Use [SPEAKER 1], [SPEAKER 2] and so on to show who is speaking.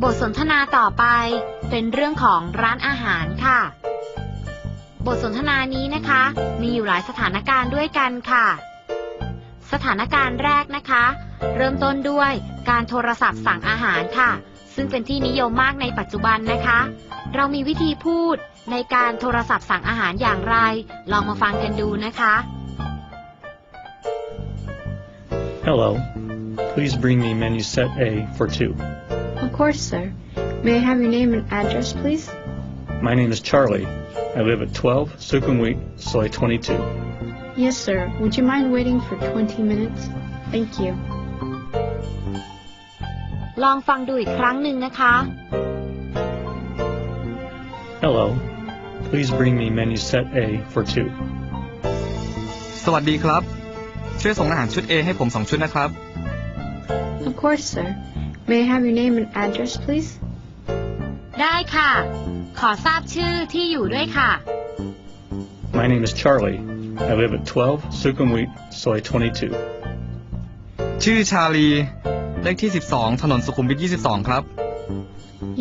[SPEAKER 1] บทสนทนาต่อไปเป็นเรื่องของร้านอาหารค่ะบทสนทนานี้นะคะมีอยู่หลายสถานการณ์ด้วยกันค่ะสถานการณ์แรกนะคะเริ่มต้นด้วยการโทรศัพท์สั่งอาหารค่ะซึ่งเป็นที่นิยมมากในปัจจุบันนะคะเรามีวิธีพูดในการโทรศัพท์สั่งอาหารอย่างไรลองมาฟังกันดูนะคะ
[SPEAKER 2] Hello. Please bring me menu set A for two.
[SPEAKER 3] Of course, sir. May I have your name and address, please?
[SPEAKER 2] My name is Charlie. I live at 12 Sukhumvit, Soy 22.
[SPEAKER 3] Yes, sir. Would you mind waiting for 20 minutes? Thank you.
[SPEAKER 1] ลองฟังดูอีกครั้งหนึ่งนะคะ
[SPEAKER 2] Hello. Please bring me menu set A for two.
[SPEAKER 4] สวัสดีครับช่วยส่งอาหารชุด A ให้ผม2ชุดนะครับ
[SPEAKER 3] Of course, sir. May I have your name and address, please?
[SPEAKER 1] ได้ค่ะขอทราบชื่อที่อยู่ด้วยค่ะ
[SPEAKER 2] My name is Charlie. I live at 12 Sukhumvit, Soy 22.
[SPEAKER 4] ชื่อชาลีเลขที่12ถนนสุขุมวิท22ครับ